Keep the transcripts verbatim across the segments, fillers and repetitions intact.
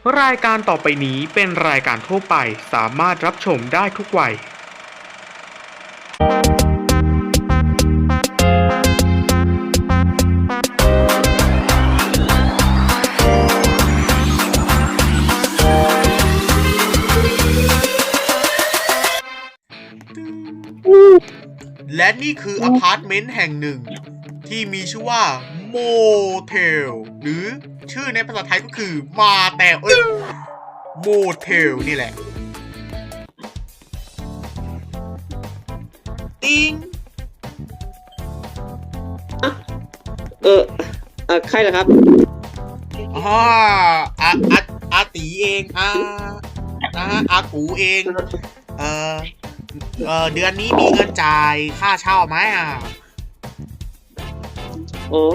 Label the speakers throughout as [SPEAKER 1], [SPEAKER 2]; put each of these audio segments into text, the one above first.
[SPEAKER 1] รายการต่อไปนี้เป็นรายการทั่วไปสามารถรับชมได้ทุกวัยและนี่คืออพาร์ตเมนต์แห่งหนึ่งที่มีชื่อว่าโมเทลหรือชื่อในภาษาไทยก็คือมาแต่เอ้ยโมเทลนี่แหละติง
[SPEAKER 2] เออเออใครเหรอครับ
[SPEAKER 1] อ๋ออาอาอาตีเองอ่านะฮะอากูเองเออเออเดือนนี้มีเงินจ่ายค่าเช่าไหมอ่ะ
[SPEAKER 2] โอ้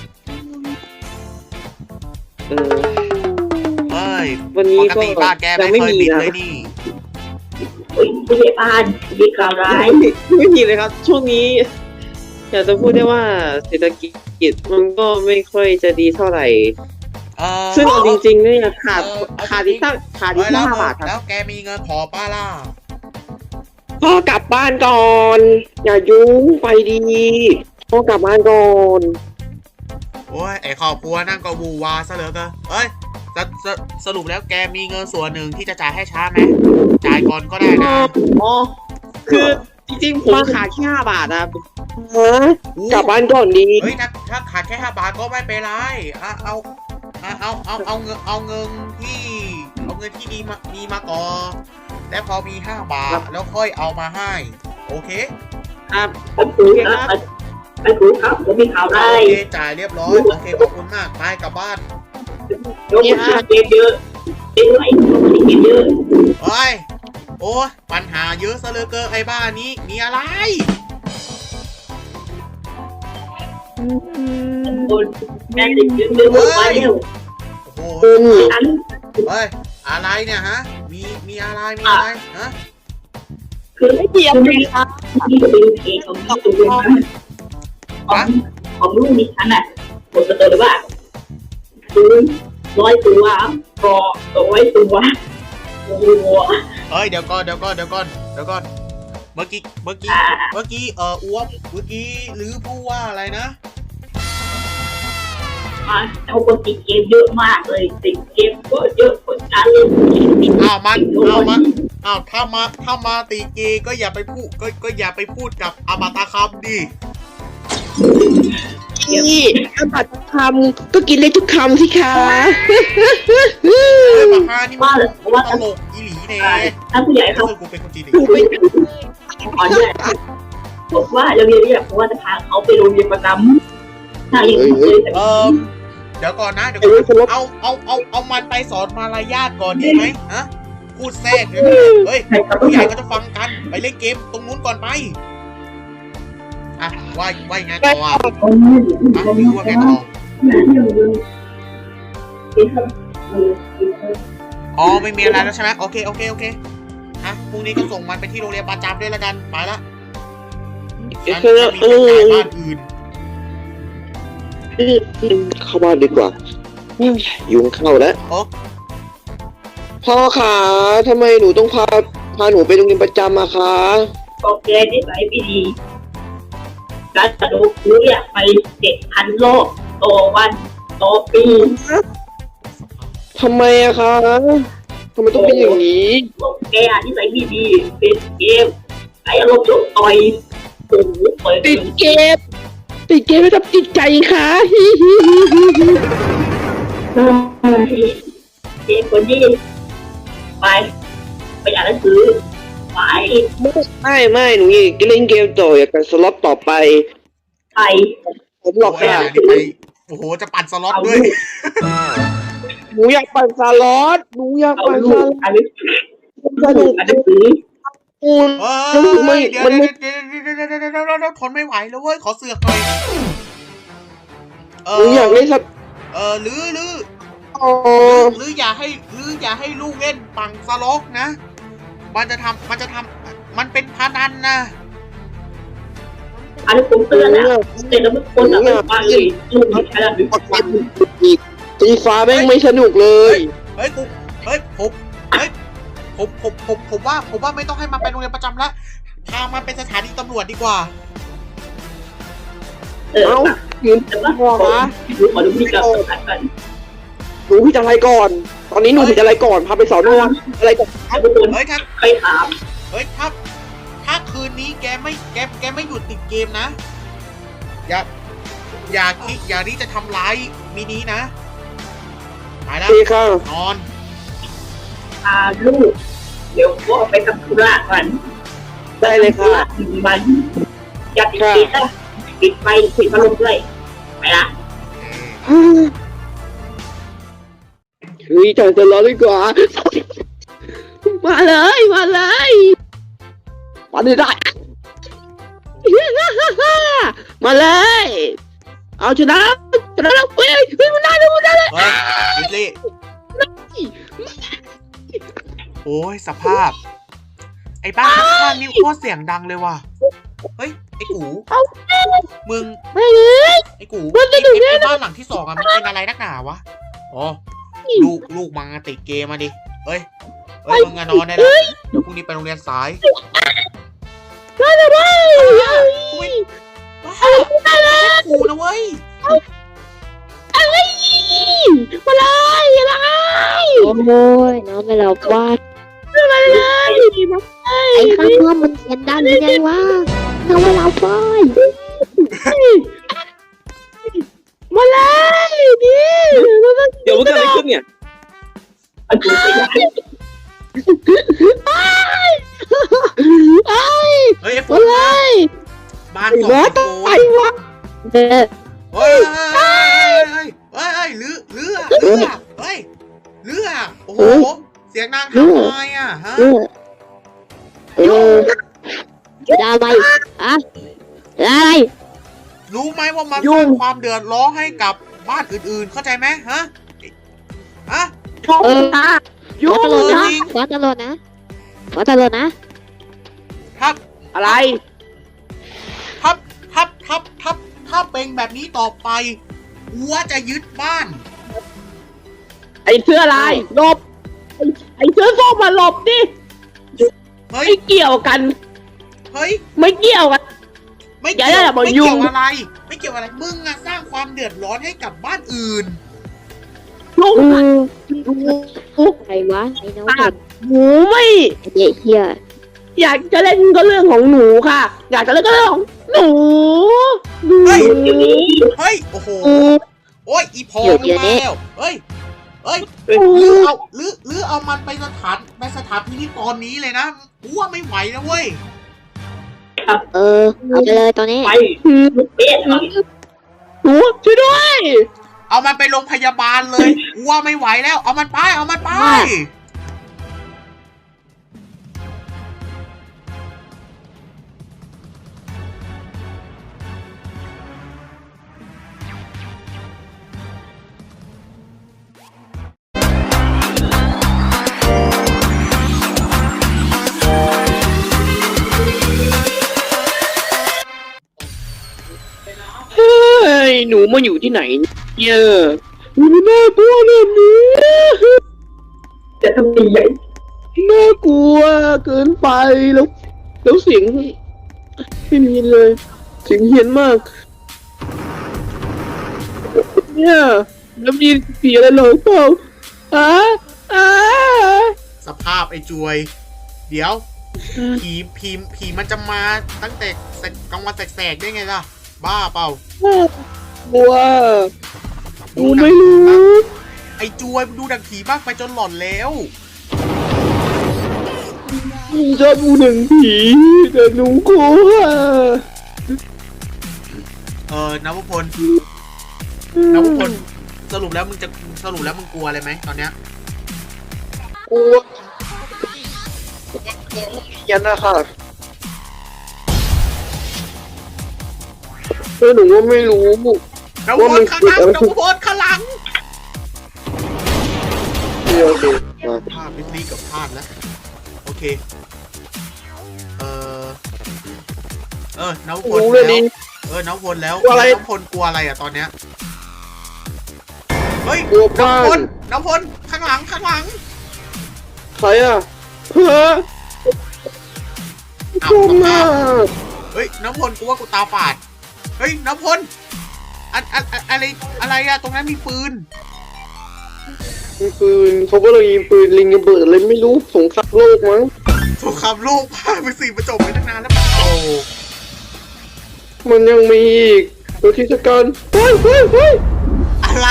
[SPEAKER 2] เออ
[SPEAKER 1] เอ้ย
[SPEAKER 2] วันนี้ก็
[SPEAKER 1] ปกติบ้านแกไม่เคยบินเลยนี่
[SPEAKER 3] ผู้ใหญ่บ้านมีข่าวร้าย
[SPEAKER 2] ไม่มีเลยครับช่วงนี้อยากจะพูดได้ว่าเศรษฐกิจมันก็ไม่ค่อยจะดีเท่าไหร่ซึ่งเอาจริงๆเนี่ยขาดขาดที่ตั้งขาดที่ห้าบาทครับ
[SPEAKER 1] แล้วแกมีเงินพอป้าล่ะ
[SPEAKER 2] พ่อกลับบ้านก่อนอย่ายุ่งไปดีพ่อกลับบ้านก่อน
[SPEAKER 1] โอ้ยไอครอบครัวนั่งก็บูวาซะเหลือเกินเอ้ยสสสรุปแล้วแกมีเงินส่วนหนึ่งที่จะจ่ายให้ช้าไหมจ่ายก่อนก็ได้นะ
[SPEAKER 2] อ๋อคือจริงๆผมขาดแค่ห้าบาทนะฮะกลับบ้านก่อนดี
[SPEAKER 1] เฮ้ยถ้าถ้าขาดแค่ห้าบาทก็ไม่เป็นไรอ่ะเอาเอาเอาเอาเอาเงินเอาเงินที่เอาเงินที่มีมามีมาก่อนและพอมีห้าบาทแล้วค่อยเอามาให้โอเค
[SPEAKER 2] ครับ
[SPEAKER 3] โอเคครับไปครูครับผมมีข่าวร้าย
[SPEAKER 1] โอเคจ่ายเรียบร้อยโอเคขอบคุณมากไปกลับบ้าน
[SPEAKER 3] ยกมือเก็บเยอะเก็บไว้เก็บเยอะ
[SPEAKER 1] เฮ้ยโอ้ปัญหาเยอะซะเหลือเกินไอ้บ้านนี้มีอะไร
[SPEAKER 3] คนแม่ติดยืนยืนไปแล้ว
[SPEAKER 1] โอ้โหเฮ้ยอะไรเนี่ยฮะมีมีอะไรมีอะไรฮะ
[SPEAKER 3] คือไม่เกี่ยวเลยครับนี่ก็เป็นเองของที่ตัวเป็นของของลูกนี่ฉันน่ะผมจะเตือนว่าซื้อร้อยตัวรอร้อยตัวโอ้โห
[SPEAKER 1] เฮ้ยเดี๋ยวก่อนเดี๋ยวก่อนเดี๋ยวก่อนเดี๋ยวก่อนเมื่อกี้เมื่อกี้เมื่อกี้เอออ้วมเมื่อกี้หรือพูดว่าอะไรนะ
[SPEAKER 3] อ่าเอาคนติดเกมเยอะมากเลยติดเกมก็เยอะคนการเล่น
[SPEAKER 1] อ้าวมันอ้าวมันอ้าวถ้ามาถ้ามาตีเกก็อย่าไปพูดก็ก็อย่าไปพูดกับอมตะคำดิ
[SPEAKER 2] นี่อมตะคำก็กินเลยทุกคำสิคะ
[SPEAKER 1] เฮ้ยมาฮ่านี่มันว่าตลกอีหลีเน่
[SPEAKER 3] ถ้าผู้ใหญ่เขา
[SPEAKER 1] กูเป็นคนจีน
[SPEAKER 3] ขอเนี่ยบอกว่าโรงเรียนเนี่ยเพราะว่าจะพาเขาไปโรงเรียนประจำถ้าอย่างนี้เลย
[SPEAKER 1] เออเดี๋ยวก่อนนะเดี๋ยวก่อนเอาเอาเอาเอามันไปสอนมารยาทก่อนดีไหมฮะพูดแทรกเลยเฮ้ยผู้ใหญ่ก็จะฟังกันไปเล่นเกมตรงนู้นก่อนไปอ่ะว่าว่ายังไงต่ออ่ะไม่รู้ว่าไงต่ออ๋อไม่มีอะไรแล้วใช่ไหมโอเคโอเคโอเคอ่ะพรุ่งนี้ก็ส่งมันไปที่โรงเรียนประจำด้วยละกันไปละฉันจะมีคนจ่ายบ้านอื่น
[SPEAKER 2] เข้าบ้านดีกว่ายุงเข้าแล้วพ่อขาทำไมหนูต้องพาพาหนูไปโรงเรียนประจำอะคะ
[SPEAKER 3] โอเคนิสัยไม่ดีการสนุกหนูอยากไปเจ็ดพันโลกโตวันโตปี
[SPEAKER 2] ทำไมอะคะทำไมต้องเป็นอย่างนี้
[SPEAKER 3] แกนิสัยไม่ดีติดเกมไอ้อารมณ์ชกต่อยโอ้โห
[SPEAKER 2] ติดเกมติดเกมไม่ทำจิตใจค่ะฮิฮิฮิฮิ
[SPEAKER 3] ฮิเด็กคนนี้ไปไปอ่านหนังสือไป
[SPEAKER 2] ไม่ไม่หนูอยากเล่นเกมต่ออยากกันสล็อตต่อไป
[SPEAKER 3] ไป
[SPEAKER 2] ผมหลอกค่ะ
[SPEAKER 1] โอ้โหจะปั่นสล็อตด้วย
[SPEAKER 2] หนูอยากปั่นสล็อตหนูอยากปั่นสล็อต
[SPEAKER 3] อันนี้สนุกอันนี้
[SPEAKER 1] เออไม่เดี๋ยวเดี๋ยวเดี๋ยวเดี๋ยวเดี๋ยวเดี๋ยวเดี๋ยวทนไม่ไหวแล้วเว้ยขอเสือกหน่อย
[SPEAKER 2] เอออยากเล่นสัก
[SPEAKER 1] เออหรือหรือหรืออย่าให้หรืออย่าให้ลูกเล่นปั่นสล็อตนะมันจะทำมันจะทำมันเป็นพนันนะ
[SPEAKER 3] อันนี้ผมเตือนนะแต่แล้วมันคนแบบว่าเลยลูกนี่ขนาดนี้
[SPEAKER 2] ตีฟ้าแม่งไม่สนุกเลย
[SPEAKER 1] เฮ้ฮ้ยกูเฮ้ยผมเฮ้ยผมผมผมผมว่าผมว่าไม่ต้องให้มันไปโรงเรียนประจำละพามันเป็นสถานีตำรวจดีกว่า
[SPEAKER 3] เออ
[SPEAKER 2] เอ้ายืน
[SPEAKER 3] แต่ว่า
[SPEAKER 2] พ่อมา
[SPEAKER 3] ขอดูพี่กับกันกัน
[SPEAKER 2] หนูผิดอะไรก่อน ตอนนี้หนูผิดอะไรก่อนพาไปสอนออะไรก่อน
[SPEAKER 3] ทุกคน
[SPEAKER 1] เฮ้ยถ้า
[SPEAKER 3] ไปถาม
[SPEAKER 1] เฮ้ยถ้าถ้าคืนนี้แกไม่แกแกไม่หยุดติดเกมนะอย่าอย่าคิดอย่าที่จะทำร้ายมินินะไปแล้ว
[SPEAKER 2] ดีค่ะ
[SPEAKER 1] นอน
[SPEAKER 3] พาลูกเดี๋ยวพ่อไปทำธุระก่อน
[SPEAKER 2] ได้เลยค่ะ
[SPEAKER 3] มันอย่าติดติดนะปิดไฟปิดพัดลมด้วยไปละ
[SPEAKER 2] เฮ้ยจอยจะรอดีกว่า มาเลยมาเลยมาได้ได้ มาเลย เอาชนะชนะแล้วเฮ้ยเฮ้ยมันได้เลยมันได้เลย
[SPEAKER 1] เฮ้ยลิลลี่โอ้ยสภาพ ไอ้บ้านข้างๆนี่โคตรเสียงดังเลยว่ะเฮ้ยไอ้กูมึง
[SPEAKER 2] ไม่เลย
[SPEAKER 1] ไอ้กูไอ้ไอ้บ้านหลังที่สองอะมันเป็นอะไรนักหนาวะอ๋อลูกลูกมังอะติดเกมมาดิเฮ้ยเฮ้ยมึงอะนอนได้แล้วเดี๋ยวพรุ่งนี้ไปโรงเรียนสาย
[SPEAKER 2] ได้เลยได้
[SPEAKER 1] อุ้ยว้าวไม่ใช่กูนะเว้ย
[SPEAKER 2] อะไรมาเลยอะไร
[SPEAKER 4] โอ้ยน้องไม่หลับว่า
[SPEAKER 2] มาเลย
[SPEAKER 4] ไอ้ข้างนอกมันเสียงดังยังไงวะน้องไม่หลับว่า
[SPEAKER 2] มาเลยดิเดี๋ยวมันเกิดอะไรขึ้นเนี่ย
[SPEAKER 3] อันนี้ไปได้
[SPEAKER 1] เฮ้ยไอ้ฝ
[SPEAKER 2] มาน เลย
[SPEAKER 1] บ้านสอง
[SPEAKER 2] วะ
[SPEAKER 1] โก
[SPEAKER 2] ไปวะ
[SPEAKER 4] เด้อ
[SPEAKER 1] เฮ้ยเฮ้ยเฮ้ยเฮ้ยเฮ้ยเรือเรือเรือเฮ้ยเรือโอ้โหเสียงนางทำไมอ่ะฮะ
[SPEAKER 4] เออเออจะอะไรอะอะไร
[SPEAKER 1] รู้ไหมว่ามันสร้างความเดือดร้อนให้กับบ้านอื่นๆ เข้าใจไหมฮะฮะ
[SPEAKER 4] เออ
[SPEAKER 2] ยุ่
[SPEAKER 4] ขอตลอดนะขอตลอดนะขอตลอดนะ
[SPEAKER 1] ถ้า
[SPEAKER 2] อะไร
[SPEAKER 1] ถ้าถ้าถ้าถ้าถ้าเป็นแบบนี้ต่อไปอัวจะยึดบ้าน
[SPEAKER 2] ไอ้เสื้อลายหลบไอ้ไอ้เสื้อส้มมาหลบดิ
[SPEAKER 1] เฮ้ย
[SPEAKER 2] ไม่เกี่ยวกัน
[SPEAKER 1] เฮ้ย
[SPEAKER 2] ไม่เกี่ยวกัน
[SPEAKER 1] ไม่
[SPEAKER 2] อย่า
[SPEAKER 1] เกี่ยว
[SPEAKER 2] อย่าบอก
[SPEAKER 1] ไม่
[SPEAKER 2] ยุ่
[SPEAKER 1] เกี่ย
[SPEAKER 2] ง
[SPEAKER 1] วอะไร ไม่เกี่ยวอะไร มึงอะสร้างความเดือดร้อนให้กับบ้านอื่น
[SPEAKER 2] ลูก
[SPEAKER 4] เออใครวะไอ้น้องเด็ก
[SPEAKER 2] หนูไม่
[SPEAKER 4] ไอ้เด็กเฮีย
[SPEAKER 2] อยากจะเล่นก็เรื่องของหนูค่ะ อยากจะเล่นก็เรื่องของหนูหนู
[SPEAKER 1] เฮ้ย
[SPEAKER 3] เดี๋ยวนี้
[SPEAKER 1] เฮ้ย โอ้โห
[SPEAKER 2] หนู
[SPEAKER 1] โอ้ย อีพอมึงมาแล้วเฮ้ย เฮ้ยหรือเอาหรือหรือเอามันไปสถานไปสถานพินิจตอนนี้เลยนะกูว่าไม่ไหวนะเว้ย
[SPEAKER 4] เออเอาไปเลยตอนนี้
[SPEAKER 3] ไปลูกเป๊ะหน่อย
[SPEAKER 2] หนูช่วยด้วย
[SPEAKER 1] เอามันไปโรงพยาบาลเลยกูว่าไม่ไหวแล้ว เอามันไป เอามันไป
[SPEAKER 2] เฮ้ยหนูมาอยู่ที่ไหนเนี่ยหนูน่ากลัวแบบนี้
[SPEAKER 3] จะทำดีใหญ่
[SPEAKER 2] น่ากลัวเกินไปแล้วแล้วเสียงไม่มีเลยเสียงเฮี้ยนมากเนี่ยแล้วมีผีอะไรเหรอเปล่าอ่ะอ่ะ
[SPEAKER 1] สภาพไอ้จวย เดี๋ยว ผีผีผีมันจะมาตั้งแต่กลางวันแสกๆได้ไงล่ะ บ้าเปล่า
[SPEAKER 2] กลัวหนูไม่รู้
[SPEAKER 1] ไอ้จวยดูดังผีบ้างไปจนหลอนแล้ว
[SPEAKER 2] ชอบดูหนังผีแต่หนูกลัว
[SPEAKER 1] เออนวพลนวพลสรุปแล้วมึงจะสรุปแล้วมึงกลัวอะไรไหมตอนเนี้ย
[SPEAKER 2] กลัวยันนะคะเออหนูว่าไม่รู้
[SPEAKER 1] นวพลข้างหลังนวพลข้างหลัง
[SPEAKER 2] โอเค
[SPEAKER 1] ภาพนิดนี้กับภาพแล้วโอเค เออเออนวพล
[SPEAKER 2] รู้เลย
[SPEAKER 1] แล้ว
[SPEAKER 2] ดิ
[SPEAKER 1] เออนวพลแล้ว
[SPEAKER 2] กลัวอะไร
[SPEAKER 1] นวพลกลัวอะไรอ่ะตอนเนี้ยเฮ้ย
[SPEAKER 2] กลัวบ้า
[SPEAKER 1] น้ำพล
[SPEAKER 2] น
[SPEAKER 1] น้ำพลข้างหลังข้างหลัง
[SPEAKER 2] ใครอ่ะเฮ้ย
[SPEAKER 1] เอา
[SPEAKER 2] กลัว
[SPEAKER 1] กลับ
[SPEAKER 2] มาม
[SPEAKER 1] าก เฮ้ยน้ำพลกูว่ากูตาฝาดเฮ้ยน้ำพลอันอันอันอะไรอะไรอะตรงนั้นมีปืน
[SPEAKER 2] มีปืนเขาก็เลยยิงปืนลิงระเบิดอะไรไม่รู้สงครามโลกมั้ง
[SPEAKER 1] สงครามโลกพาไปสี่ประจบไปตั้งนานแล้วโอ้
[SPEAKER 2] มันยังมีอีกโดยที่สกันเฮ้ยเฮ้ยเฮ้ย
[SPEAKER 1] อะไร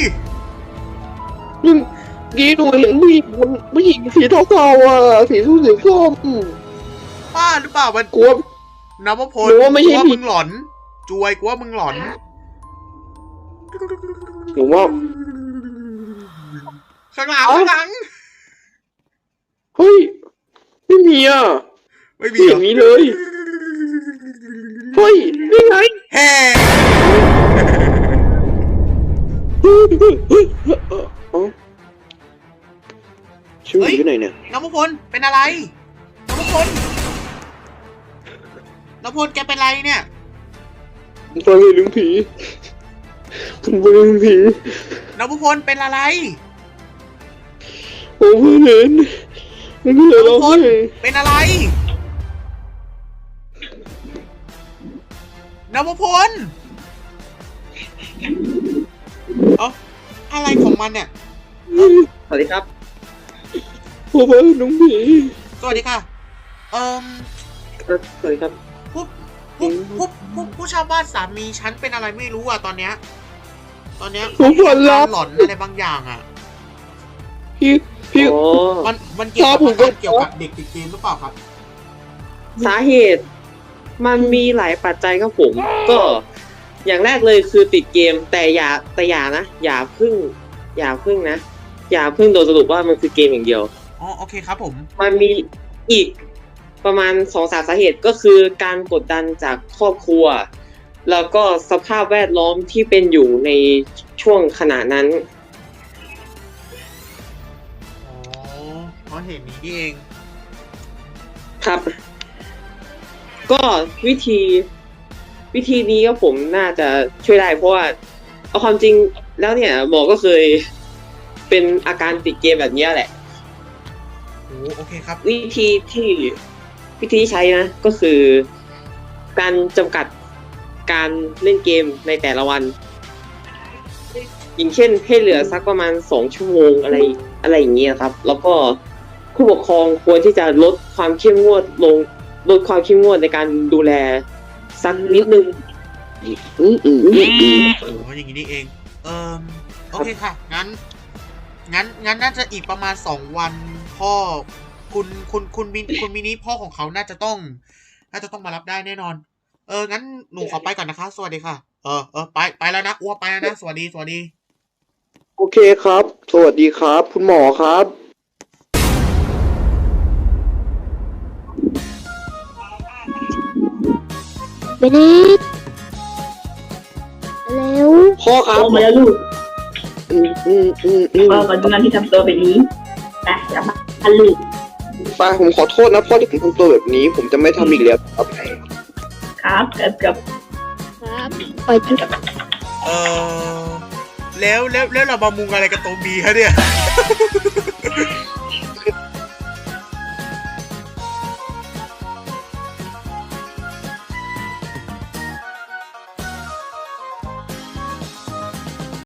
[SPEAKER 2] ยังกี้หนูเห็นผู้หญิงคนผู้หญิงสีเทาๆอ่ะสีส้มสีส้ม
[SPEAKER 1] บ้าหรือเปล่ามัน
[SPEAKER 2] กลัว
[SPEAKER 1] น้ำพล
[SPEAKER 2] หนูว่าไม่ใช่
[SPEAKER 1] กูว่า
[SPEAKER 2] ผี
[SPEAKER 1] มึงหลอนจวยกูว่ามึงหลอน
[SPEAKER 2] หนูว่า
[SPEAKER 1] ข้างหลังข้างหลัง
[SPEAKER 2] เฮ้ยไม่มีอ่ะ
[SPEAKER 1] ไม่มี
[SPEAKER 2] ไม่
[SPEAKER 1] เหร
[SPEAKER 2] เห็
[SPEAKER 1] อน
[SPEAKER 2] มีเลยเฮ้ยนี่ไง
[SPEAKER 1] แฮ่
[SPEAKER 2] เฮ้ยเฮ้ยเฮ้ยเออเอ้าชื่ออยู่ไหนเนี่ย
[SPEAKER 1] น้ำพลเป็นอะไรน้ำพลน้ำพลแกเป็นไรเนี่ย
[SPEAKER 2] ผมฟังเรื่องผีผมฟังเรื่องผี
[SPEAKER 1] น้ำพลเป็นอะไร
[SPEAKER 2] ผมเพิ่งเห็นมันก็เลยร้อง
[SPEAKER 1] น้ำพล
[SPEAKER 2] ไห้
[SPEAKER 1] เป็นอะไรน้ำพลเอ้าอะไรของมันเนี่ย
[SPEAKER 2] สวัสดีครับผมว่าน้องผี
[SPEAKER 1] สวัสดีค่ะ เอ่ม
[SPEAKER 2] เอ่อสวัสดีครับ
[SPEAKER 1] ผู้ผู้ผู้ผู้ผู้เช่าบ้านสามีฉันเป็นอะไรไม่รู้อ่ะตอนเนี้ย ตอนเนี้ย
[SPEAKER 2] ผมฝัน
[SPEAKER 1] กา
[SPEAKER 2] ร้าร ย
[SPEAKER 1] หลอนอะไรบางอย่างอ่ะ
[SPEAKER 2] พี่พี่
[SPEAKER 1] มันมันเกี่ยวกับ
[SPEAKER 2] ครับผมก็
[SPEAKER 1] มันเกี่ยวกับเด็กติดเกมหรือเปล่าครับ
[SPEAKER 2] สาเหตุ มันมีหลายปัจจัยครับผม ก็อย่างแรกเลยคือติดเกมแต่อย่าแต่อย่านะ อย่าพึ่ง อย่าพึ่งนะ อย่าพึ่งโดยสรุปว่ามันคือเกมอย่างเดียว
[SPEAKER 1] อ๋อโอเคครับผม
[SPEAKER 2] มันมีอีกประมาณสองสามสาเหตุก็คือการกดดันจากครอบครัว แล้วก็สภาพแวดล้อมที่เป็นอยู่ในช่วงขณะนั้น
[SPEAKER 1] อ๋อเพราะเหตุนี้นี่เอง
[SPEAKER 2] ครับ ก็วิธีวิธีนี้ก็ผมน่าจะช่วยได้เพราะว่าเอาความจริงแล้วเนี่ยหมอก็เคยเป็นอาการติดเกมแบบนี้แหละ
[SPEAKER 1] โอ้โอเคครับ
[SPEAKER 2] วิธีที่วิธีที่ใช้นะ ก็คือการจำกัดการเล่นเกมในแต่ละวัน อย่างเช่นให้เหลือสักประมาณสองชั่วโมงอะไรอะไรอย่างเงี้ยครับ แล้วก็ผู้ปกครองควรที่จะลดความเข้มงวดลงลดความเข้มงวดในการดูแลสักนิดนึงอืมอืมอืมอืม
[SPEAKER 1] โอ้อย่างนี้นี่เอง เอ่มโอเคค่ะ งั้น งั้น งั้นน่าจะอีกประมาณสองวันพ่อ คุณ คุณ คุณมินคุณมินิพ่อของเขาน่าจะต้อง น่าจะต้องมารับได้แน่นอน เออ งั้นหนูขอไปก่อนนะคะ สวัสดีค่ะ เออ เออ ไป ไปแล้วนะอ้วไปแล้วนะ สวัสดี สวัสดี
[SPEAKER 2] โอเคครับ สวัสดีครับ คุณหมอครับ
[SPEAKER 4] เบนนิดเร็ว
[SPEAKER 2] พ่อครับ
[SPEAKER 3] โตมาแล้วลูก
[SPEAKER 2] อืมอืมอืมอืม
[SPEAKER 3] พ่อขอดูงานที่ทำตัวแบบนี้ไปกลับบ้านลูก
[SPEAKER 2] ป้าผมขอโทษนะพ่อที่ผมทำตัวแบบนี้ ผมจะไม่ทำอีกแล้วครับ
[SPEAKER 3] ครับกับกับ
[SPEAKER 4] ครับปล่อยจุด
[SPEAKER 1] เออแล้วแล้วแล้วเรามามุงอะไรกับตรงบีฮะเนี่ย